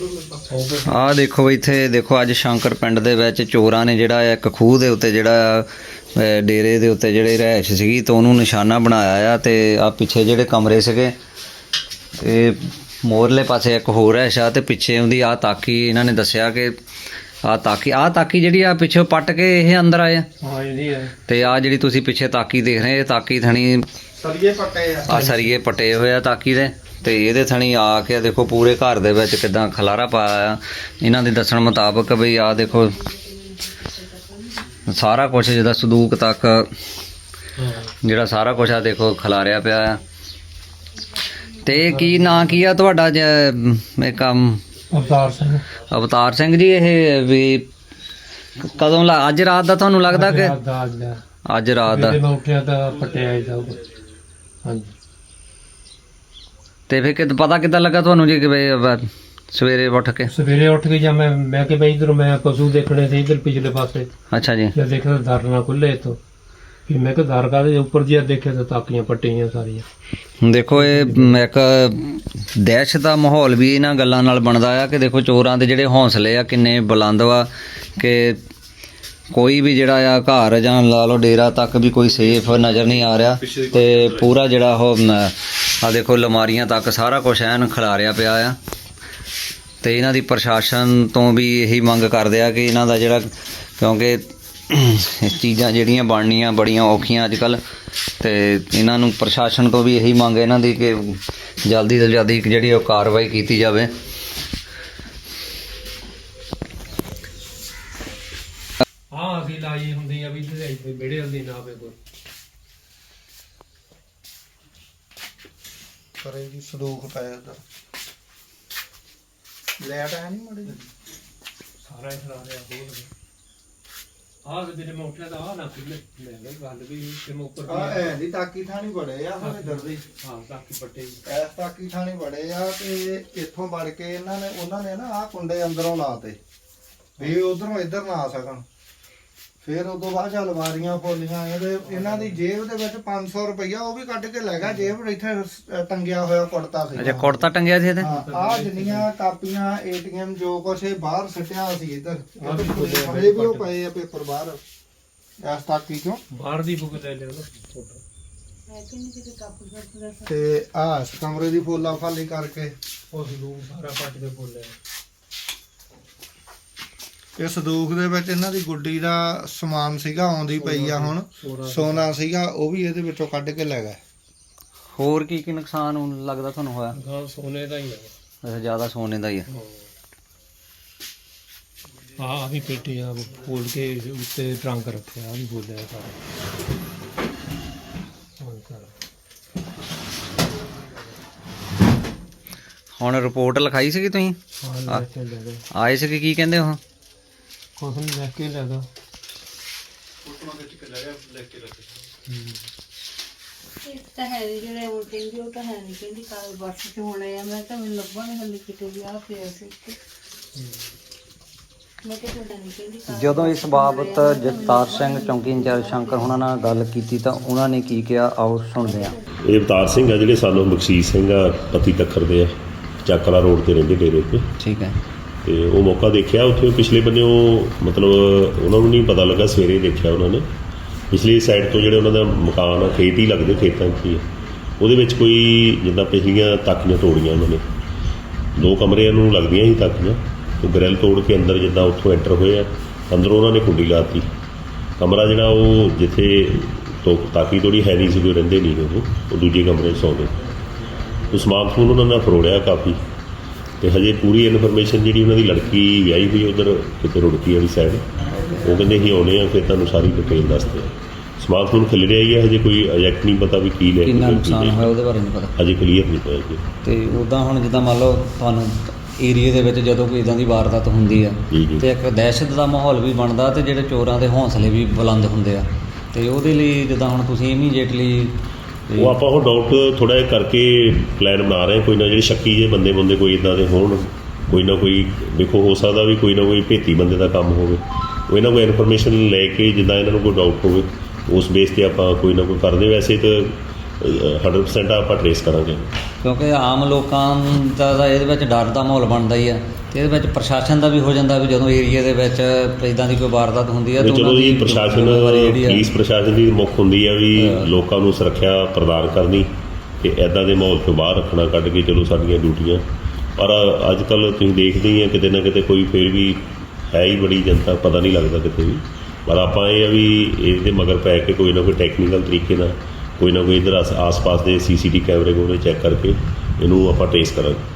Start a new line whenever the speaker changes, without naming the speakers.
ਆਹ ਦੇਖੋ ਇੱਥੇ ਦੇਖੋ ਅੱਜ ਸ਼ੰਕਰ ਪਿੰਡ ਦੇ ਵਿੱਚ ਚੋਰਾਂ ਨੇ ਜਿਹੜਾ ਇੱਕ ਖੂਹ ਦੇ ਉੱਤੇ ਜਿਹੜਾ ਡੇਰੇ ਦੇ ਉੱਤੇ ਜਿਹੜੇ ਰਿਹਾਇਸ਼ ਸੀਗੀ ਤਾਂ ਉਹਨੂੰ ਨਿਸ਼ਾਨਾ ਬਣਾਇਆ ਆ। ਤੇ ਆ ਪਿੱਛੇ ਜਿਹੜੇ ਕਮਰੇ ਸੀਗੇ ਤੇ ਮੋਰਲੇ ਪਾਸੇ ਇੱਕ ਹੋਰ ਰਿਹਾਇਸ਼ ਆ ਤੇ ਪਿੱਛੇ ਉਹਦੀ ਆ ਤਾਕੀ ਇਹਨਾਂ ਨੇ ਦੱਸਿਆ ਕਿ ਆ ਤਾਕੀ ਜਿਹੜੀ ਆ ਪਿੱਛੇ ਪੱਟ ਕੇ ਇਹ ਅੰਦਰ ਆਏ ਆ। ਤੇ ਆ ਜਿਹੜੀ ਤੁਸੀਂ ਪਿੱਛੇ ਤਾਕੀ ਦੇਖ ਰਹੇ ਇਹ ਤਾਕੀ ਥਣੀ ਸਰੀਏ ਪੱਟੇ ਹੋਏ ਆ ਤਾਕੀ ਦੇ। ਤੇ ਇਹਦੇ ਥਣੀ ਆ ਕੇ ਦੇਖੋ ਪੂਰੇ ਘਰ ਦੇ ਵਿੱਚ ਕਿੱਦਾਂ ਖਲਾਰਾ ਪਾਇਆ ਆ। ਇਹਨਾਂ ਦੇ ਦੱਸਣ ਮੁਤਾਬਕ ਬਈ ਆ ਦੇਖੋ ਸਾਰਾ ਕੁਛ ਜਿੱਦਾਂ ਸੰਦੂਕ ਤੱਕ ਜਿਹੜਾ ਸਾਰਾ ਕੁਛ ਆ ਦੇਖੋ ਖਿਲਾਰਿਆ ਪਿਆ ਆ। ਤੇ ਕੀ ਨਾਂ ਕੀ ਆ ਤੁਹਾਡਾ ਕੰਮ? ਅਵਤਾਰ ਸਿੰਘ ਜੀ। ਇਹ ਵੀ ਕਦੋਂ ਅੱਜ ਰਾਤ ਦਾ ਤੁਹਾਨੂੰ ਲੱਗਦਾ ਕਿ ਅੱਜ ਰਾਤ ਦਾ? ਤੇ ਫਿਰ ਪਤਾ ਕਿੱਦਾਂ ਲੱਗਾ ਤੁਹਾਨੂੰ ਜੀ ਕਿ ਸਵੇਰੇ ਉੱਠ ਕੇ
ਜਾਂ ਮੈਂ ਕਿ ਬਈ ਇਧਰ ਮੈਂ ਪਸ਼ੂ ਦੇਖਣੇ ਸੀ ਇਧਰ ਪਿਛਲੇ ਪਾਸੇ।
ਅੱਛਾ ਜੀ।
ਜਦ ਦੇਖਿਆ ਤਾਂ ਦਰ ਨਾ ਖੁੱਲੇ ਇੱਥੋਂ ਫਿਰ ਮੈਂ ਕਿ ਦਰ ਕਾਹਦੇ ਉੱਪਰ ਜੀ ਦੇਖਿਆ ਤਾਂ ਤਾਕੀਆਂ ਪੱਟੀਆਂ ਸਾਰੀਆਂ।
ਦੇਖੋ ਇਹ ਇੱਕ ਦਹਿਸ਼ਤ ਦਾ ਮਾਹੌਲ ਵੀ ਇਹਨਾਂ ਗੱਲਾਂ ਨਾਲ ਬਣਦਾ ਆ ਕਿ ਦੇਖੋ ਚੋਰਾਂ ਦੇ ਜਿਹੜੇ ਹੌਸਲੇ ਆ ਕਿੰਨੇ ਬੁਲੰਦ ਵਾ ਕਿ ਕੋਈ ਵੀ ਜਿਹੜਾ ਆ ਘਰ ਜਾਂ ਲਾ ਲਓ ਡੇਰਾ ਤੱਕ ਵੀ ਕੋਈ ਸੇਫ ਨਜ਼ਰ ਨਹੀਂ ਆ ਰਿਹਾ। ਤੇ ਪੂਰਾ ਜਿਹੜਾ ਉਹ ਆ ਦੇਖੋ ਅਲਮਾਰੀਆਂ ਤੱਕ ਸਾਰਾ ਕੁਛ ਐਨ ਖਿਲਾਰਿਆ ਪਿਆ ਆ। ਤੇ ਇਹਨਾਂ ਦੀ ਪ੍ਰਸ਼ਾਸਨ ਤੋਂ ਵੀ ਇਹੀ ਮੰਗ ਕਰਦੇ ਆ ਕਿ ਇਹਨਾਂ ਦਾ ਜਿਹੜਾ ਕਿਉਂਕਿ ਚੀਜ਼ਾਂ ਜਿਹੜੀਆਂ ਬਣਨੀਆਂ ਬੜੀਆਂ ਔਖੀਆਂ ਅੱਜ ਕੱਲ੍ਹ। ਤੇ ਇਹਨਾਂ ਨੂੰ ਪ੍ਰਸ਼ਾਸਨ ਤੋਂ ਵੀ ਇਹੀ ਮੰਗ ਇਹਨਾਂ ਦੀ ਕਿ ਜਲਦੀ ਤੋਂ ਜਲਦੀ ਜਿਹੜੀ ਉਹ ਕਾਰਵਾਈ ਕੀਤੀ ਜਾਵੇ।
ਹਾਂ ਅਸੀਂ ਲਾਈ ਹੁੰਦੀ ਆ ਵੀ ਵਿਹੜੇ ਹੁੰਦੀ ਨਾ ਆਵੇ ਕੋਈ
ਕਰੇ ਜੀ ਸੰਦੂਕ ਪਾਇਆ ਦਾ ਲੈਟ ਆ ਨਹੀਂ ਮੜੀ
ਸਾਰਾ ਹੀ ਖਰਾ ਰਿਹਾ ਬੋਲ ਆਹ ਜਿਹੜੇ ਮੈਂ ਉੱਠਿਆ ਤਾਂ ਆਹ ਨਾ ਖੁੱਲੇ ਲੈ ਲੈ ਗੱਲ ਵੀ ਤੇ ਮੈਂ ਉੱਪਰ
ਆ ਐ ਦੀ ਤਾਕੀ ਥਾਣੀ ਬੜੇ ਆ ਹੁਣ ਇਧਰ ਦੀ।
ਹਾਂ ਤਾਕੀ ਪੱਟੇ
ਐਸ ਤਾਕੀ ਥਾਣੀ ਬੜੇ ਆ ਤੇ ਇੱਥੋਂ ਵੜ ਕੇ ਉਹਨਾਂ ਨੇ ਨਾ ਆਹ ਕੁੰਡੇ ਅੰਦਰੋਂ ਲਾਤੇ ਵੀ ਉਧਰੋਂ ਇੱਧਰ ਨਾ ਆ ਸਕਣ। ਫਿਰ ਉਦੋਂ ਬਾਅਦ ਅਲਮਾਰੀਆਂ ਫੋਲੀਆਂ ਇਹਨਾਂ ਦੀ ਜੇਬ ਦੇ ਵਿੱਚ 500 ਰੁਪਈਆ ਉਹ ਵੀ ਕੱਢ ਕੇ ਲੈ ਗਿਆ। ਜੇਬ ਇੱਥੇ ਟੰਗਿਆ ਹੋਇਆ ਕੁੜਤਾ ਸੀ।
ਅੱਛਾ ਕੁੜਤਾ ਟੰਗਿਆ ਸੀ ਇਹਦੇ?
ਆ ਜਿੰਨੀਆਂ ਕਾਪੀਆਂ ATM ਜੋ ਕੁਛ ਇਹ ਬਾਹਰ ਸਿੱਟਿਆ ਸੀ ਇੱਧਰ ਹਲੇ ਵੀ ਉਹ ਪਏ ਆ ਪੇਪਰ ਬਾਹਰ ਇਸ ਤਾਕੀ ਚੋਂ
ਬਾਹਰ ਦੀ ਬੁੱਕ ਲੈ ਲਿਓ
ਤੇ ਆ ਇਸ ਕਮਰੇ ਦੀ ਫੋਲਾ ਫਾਲੀ ਕਰਕੇ
ਉਹ ਸੰਦੂਕ ਸਾਰਾ ਪੱਟ ਕੇ ਬੋਲਿਆ।
ਇਹ ਸੰਦੂਕ ਦੇ ਵਿੱਚ ਇਹਨਾਂ ਦੀ ਗੁੱਡੀ ਦਾ ਸਮਾਨ ਸੀਗਾ ਆਉਂਦੀ ਪਈ ਆ ਹੁਣ ਸੋਨਾ ਸੀਗਾ ਉਹ ਵੀ ਇਹਦੇ ਵਿੱਚੋਂ ਕੱਢ ਕੇ ਲੈ ਗਏ।
ਹੋਰ ਕੀ ਕੀ ਨੁਕਸਾਨ ਲੱਗਦਾ ਤੁਹਾਨੂੰ ਹੋਇਆ?
ਹਾਂ ਸੋਨੇ ਦਾ ਹੀ ਆ।
ਅੱਛਾ ਜ਼ਿਆਦਾ ਸੋਨੇ ਦਾ ਹੀ ਆ।
ਆ ਵੀ ਪੇਟੀ ਆ ਖੋਲ ਕੇ ਉੱਤੇ ਟਰੰਕ ਰੱਖਿਆ ਆ ਵੀ ਬੋਲਿਆ ਸਾਰਾ।
ਹੁਣ ਰਿਪੋਰਟ ਲਿਖਾਈ ਸੀਗੀ ਤੁਸੀਂ?
ਹਾਂ
ਆਏ ਸੀਗੇ ਕੀ ਕਹਿੰਦੇ ਉਹ?
ਕੁਛ ਨਹੀਂ ਲੈ ਕੇ ਲੱਗਾ
ਤਾਂ ਹੈ ਨੀ ਜਿਹੜੇ ਉਹ ਕਹਿੰਦੀ ਉਹ ਤਾਂ ਹੈ ਨਹੀਂ ਕਹਿੰਦੀ ਕਾਲ ਬੱਸ ਚ ਹੋਣੇ ਆ। ਮੈਂ ਤਾਂ ਮੈਨੂੰ ਲੱਭਾ ਨਹੀਂ ਹਲੇ ਕਿਤੇ ਵੀ ਆ ਪਿਆ ਸੀ ਮੈਂ ਕਿਹਾ ਤੁਹਾਡਾ ਨਹੀਂ ਕਹਿੰਦੀ।
ਜਦੋਂ ਇਸ ਬਾਬਤ ਜਗਤਾਰ ਸਿੰਘ ਚੌਂਕੀ ਇੰਚਾਰਜ ਸ਼ੰਕਰ ਉਹਨਾਂ ਨਾਲ ਗੱਲ ਕੀਤੀ ਤਾਂ ਉਹਨਾਂ ਨੇ ਕੀ ਕਿਹਾ ਆਓ ਸੁਣਦੇ ਹਾਂ।
ਇਹ ਅਵਤਾਰ ਸਿੰਘ ਆ ਜਿਹੜੇ ਸਾਨੂੰ ਬਖਸ਼ੀਸ਼ ਸਿੰਘ ਆ ਪਤੀ ਤੱਖਰ ਦੇ ਆ ਚੱਕਲਾ ਰੋਡ ਤੇ ਰਹਿੰਦੇ ਡੇਰੇ 'ਤੇ।
ਠੀਕ ਹੈ।
ਤੇ ਉਹ ਮੌਕਾ ਦੇਖਿਆ ਉੱਥੇ ਪਿਛਲੇ ਬੰਨੇ ਉਹ ਮਤਲਬ ਉਹਨਾਂ ਨੂੰ ਨਹੀਂ ਪਤਾ ਲੱਗਾ ਸਵੇਰੇ ਦੇਖਿਆ ਉਹਨਾਂ ਨੇ ਪਿਛਲੀ ਸਾਈਡ ਤੋਂ ਜਿਹੜੇ ਉਹਨਾਂ ਦਾ ਮਕਾਨ ਆ ਖੇਤ ਹੀ ਲੱਗਦੇ ਖੇਤਾਂ 'ਚ ਹੀ ਉਹਦੇ ਵਿੱਚ ਕੋਈ ਜਿੱਦਾਂ ਪਿਛਲੀਆਂ ਤਾਕੀਆਂ ਤੋੜੀਆਂ ਉਹਨਾਂ ਨੇ 2 ਕਮਰਿਆਂ ਨੂੰ ਲੱਗਦੀਆਂ ਸੀ ਤਾਕੀਆਂ। ਉਹ ਗ੍ਰਿਲ ਤੋੜ ਕੇ ਅੰਦਰ ਜਿੱਦਾਂ ਉੱਥੋਂ ਐਂਟਰ ਹੋਏ ਆ ਅੰਦਰੋਂ ਉਹਨਾਂ ਨੇ ਕੁੰਡੀ ਲਾਤੀ। ਕਮਰਾ ਜਿਹੜਾ ਉਹ ਜਿੱਥੇ ਤਾਕੀ ਤੋੜੀ ਹੈ ਨਹੀਂ ਸੀ ਕੋਈ ਰਹਿੰਦੇ ਨਹੀਂ ਉਹ ਦੂਜੇ ਕਮਰੇ 'ਚ ਸੌਂਦੇ। ਉਹ ਸਮਾਨ ਸਮੂਨ ਉਹਨਾਂ ਨਾਲ ਫਰੋੜਿਆ ਕਾਫੀ। ਤੇ ਹਜੇ ਪੂਰੀ ਇਨਫੋਰਮੇਸ਼ਨ ਜਿਹੜੀ ਉਹਨਾਂ ਦੀ ਲੜਕੀ ਵਿਆਹੀ ਹੋਈ ਉੱਧਰ ਕਿਤੇ ਰੁੜਕੀ ਵਾਲੀ ਸਾਈਡ ਉਹ ਕਹਿੰਦੇ ਅਸੀਂ ਆਉਣੇ ਆ ਫਿਰ ਤੁਹਾਨੂੰ ਸਾਰੀ ਡਿਟੇਲ ਦੱਸਦੇ ਆ। ਸਮਾਨ ਸਮੂਨ ਖਿਲ ਰਿਹਾ ਹੀ ਹੈ ਹਜੇ ਕੋਈ ਐਗਜ਼ੈਕਟ ਨਹੀਂ ਪਤਾ ਵੀ ਕੀ ਲੈ
ਕਿੰਨਾ ਨੁਕਸਾਨ ਹੋਇਆ ਉਹਦੇ ਬਾਰੇ ਨਹੀਂ ਪਤਾ
ਹਜੇ ਕਲੀਅਰ ਨਹੀਂ ਹੋਇਆ ਜੀ।
ਤੇ ਉੱਦਾਂ ਹੁਣ ਜਿੱਦਾਂ ਮੰਨ ਲਓ ਤੁਹਾਨੂੰ ਏਰੀਏ ਦੇ ਵਿੱਚ ਜਦੋਂ ਕੋਈ ਇੱਦਾਂ ਦੀ ਵਾਰਦਾਤ ਹੁੰਦੀ ਆ ਤੇ ਇੱਕ ਦਹਿਸ਼ਤ ਦਾ ਮਾਹੌਲ ਵੀ ਬਣਦਾ ਤੇ ਜਿਹੜੇ ਚੋਰਾਂ ਦੇ ਹੌਸਲੇ ਵੀ ਬੁਲੰਦ ਹੁੰਦੇ ਆ। ਤੇ ਉਹਦੇ ਲਈ ਜਿੱਦਾਂ ਹੁਣ ਤੁਸੀਂ ਇਮੀਡੀਏਟਲੀ
ਉਹ ਆਪਾਂ ਉਹ ਡਾਊਟ ਥੋੜ੍ਹਾ ਜਿਹਾ ਕਰਕੇ ਪਲਾਨ ਬਣਾ ਰਹੇ ਕੋਈ ਨਾ ਜਿਹੜੇ ਸ਼ੱਕੀ ਜਿਹੇ ਬੰਦੇ ਕੋਈ ਇੱਦਾਂ ਦੇ ਹੋਣ ਕੋਈ ਨਾ ਕੋਈ ਦੇਖੋ ਹੋ ਸਕਦਾ ਵੀ ਕੋਈ ਨਾ ਕੋਈ ਭੇਤੀ ਬੰਦੇ ਦਾ ਕੰਮ ਹੋਵੇ ਉਹ ਇਹਨਾਂ ਕੋਲ ਇਨਫੋਰਮੇਸ਼ਨ ਲੈ ਕੇ ਜਿੱਦਾਂ ਇਹਨਾਂ ਨੂੰ ਕੋਈ ਡਾਊਟ ਹੋਵੇ ਉਸ ਬੇਸ 'ਤੇ ਆਪਾਂ ਕੋਈ ਨਾ ਕੋਈ ਕਰਦੇ। ਵੈਸੇ ਤਾਂ 100% ਆਪਾਂ ਟਰੇਸ ਕਰਾਂਗੇ।
ਕਿਉਂਕਿ ਆਮ ਲੋਕਾਂ ਦਾ ਤਾਂ ਇਹਦੇ ਵਿੱਚ ਡਰ ਦਾ ਮਾਹੌਲ ਬਣਦਾ ਹੀ ਆ ਤੇ ਇਹਦੇ ਵਿੱਚ ਪ੍ਰਸ਼ਾਸਨ ਦਾ ਵੀ ਹੋ ਜਾਂਦਾ ਵੀ ਜਦੋਂ ਏਰੀਆ ਦੇ ਵਿੱਚ ਇਦਾਂ ਦੀ ਕੋਈ ਵਾਰਦਾਤ ਹੁੰਦੀ ਆ
ਤੇ
ਤਾਂ
ਚਲੋ
ਉਹਨਾਂ
ਜੀ
ਦੀ
ਪ੍ਰਸ਼ਾਸਨ
ਜ਼ਿੰਮੇਵਾਰੀ ਜਿਹੜੀ ਆ
ਪੁਲਿਸ ਪ੍ਰਸ਼ਾਸਨ ਦੀ ਮੁੱਖ ਹੁੰਦੀ ਆ ਵੀ ਲੋਕਾਂ ਨੂੰ ਸੁਰੱਖਿਆ ਪ੍ਰਦਾਨ ਕਰਨੀ ਤੇ ਐਦਾਂ ਦੇ ਮਾਹੌਲ ਤੋਂ ਬਾਹਰ ਰੱਖਣਾ ਕੱਢ ਕੇ ਚਲੋ ਸਾਡੀਆਂ ਡਿਊਟੀਆਂ। ਪਰ ਅੱਜ ਕੱਲ੍ਹ ਤੁਸੀਂ ਦੇਖਦੇ ਹੀ ਆ ਕਿਤੇ ਨਾ ਕਿਤੇ ਕੋਈ ਫਿਰ ਵੀ ਹੈ ਹੀ ਬੜੀ ਜਨਤਾ, ਪਤਾ ਨਹੀਂ ਲੱਗਦਾ ਕਿਤੇ ਵੀ। ਪਰ ਆਪਾਂ ਇਹ ਆ ਵੀ ਇਹਦੇ ਮਗਰ ਪੈ ਕੇ ਕੋਈ ਨਾ ਕੋਈ ਟੈਕਨੀਕਲ ਤਰੀਕੇ ਨਾਲ ਕੋਈ ਨਾ ਕੋਈ ਇੱਧਰ ਆਸ-ਪਾਸ ਦੇ CCTV ਕੈਮਰੇ ਕੋਲ ਚੈੱਕ ਕਰਕੇ ਇਹਨੂੰ ਆਪਾਂ ਟਰੇਸ ਕਰਾਂਗੇ।